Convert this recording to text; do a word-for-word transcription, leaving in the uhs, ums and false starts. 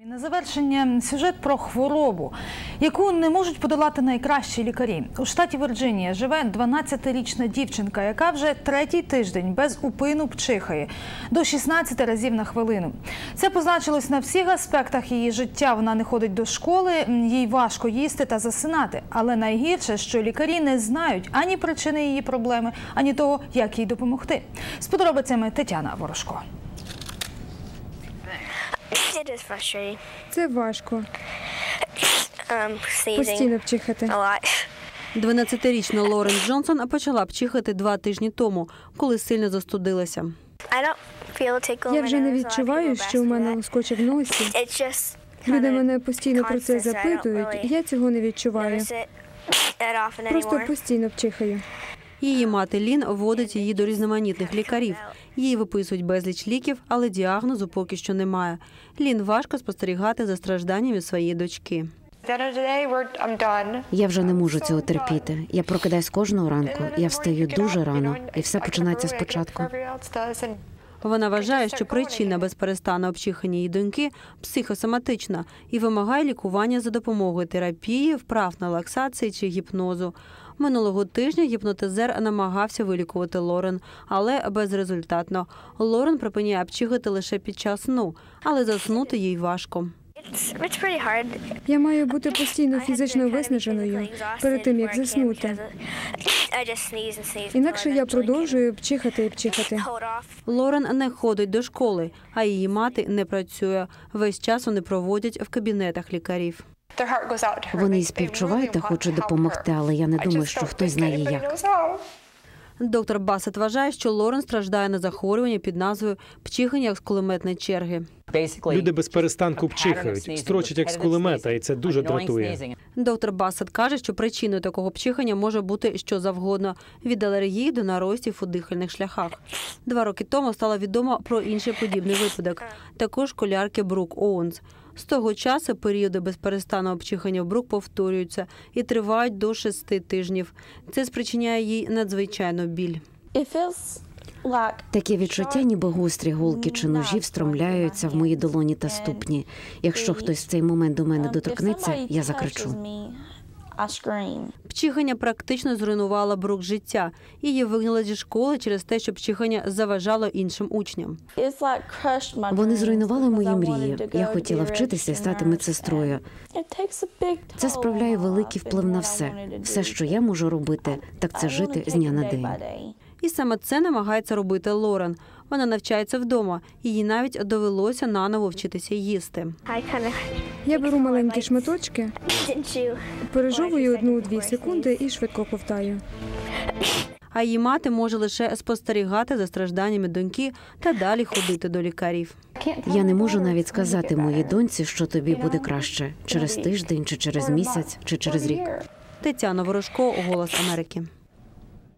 На завершення сюжет про хворобу, яку не можуть подолати найкращі лікарі. У штаті Вірджинія живе дванадцятирічна дівчинка, яка вже третій тиждень без упину пчихає до шістнадцяти разів на хвилину. Це позначилось на всіх аспектах її життя. Вона не ходить до школи, їй важко їсти та засинати. Але найгірше, що лікарі не знають ані причини її проблеми, ані того, як їй допомогти. З подробицями Тетяна Ворожко. Це важко. Постійно пчихати. дванадцятирічна Лорен Джонсон почала пчихати два тижні тому, коли сильно застудилася. Я вже не відчуваю, що у мене лоскоче в носі. Люди мене постійно про це запитують, я цього не відчуваю. Просто постійно пчихаю. Її мати Лін водить її до різноманітних лікарів. Їй виписують безліч ліків, але діагнозу поки що немає. Лін важко спостерігати за стражданнями своєї дочки. Я вже не можу цього терпіти. Я прокидаюсь кожного ранку, я встаю дуже рано, і все починається спочатку. Вона вважає, що причина безперестанного пчихання її доньки психосоматична і вимагає лікування за допомогою терапії, вправ на релаксації чи гіпнозу. Минулого тижня гіпнотизер намагався вилікувати Лорен, але безрезультатно. Лорен припиняє пчихати лише під час сну, але заснути їй важко. Я маю бути постійно фізично виснаженою перед тим, як заснути. Інакше я продовжую пчихати і пчихати. Лорен не ходить до школи, а її мати не працює. Весь час вони проводять в кабінетах лікарів. Вони і співчувають та хочуть допомогти, але я не думаю, що хтось знає як. Доктор Бассет вважає, що Лорен страждає на захворювання під назвою пчихання з кулеметної черги. Люди без перестанку пчихають, строчать як з кулемета, і це дуже дратує. Доктор Бассет каже, що причиною такого пчихання може бути що завгодно – від алергії до наростів у дихальних шляхах. Два роки тому стало відомо про інший подібний випадок – також школярки Брук Оуенс. З того часу періоди безперестанного пчихання в Брук повторюються і тривають до шести тижнів. Це спричиняє їй надзвичайну біль. Таке відчуття, ніби гострі голки чи ножі встромляються в мої долоні та ступні. Якщо хтось в цей момент до мене доторкнеться, я закричу. Пчихання практично зруйнувало Брук життя. Її вигнали зі школи через те, що пчихання заважало іншим учням. Вони зруйнували мої мрії. Я хотіла вчитися і стати медсестрою. Це справляє великий вплив на все. Все, що я можу робити, так це жити з дня на день. І саме це намагається робити Лорен. Вона навчається вдома, і їй навіть довелося наново вчитися їсти. Я беру маленькі шматочки, пережовую одну-дві секунди і швидко ковтаю. А її мати може лише спостерігати за стражданнями доньки та далі ходити до лікарів. Я не можу навіть сказати моїй доньці, що тобі буде краще. Через тиждень, чи через місяць, чи через рік. Тетяна Ворожко, «Голос Америки».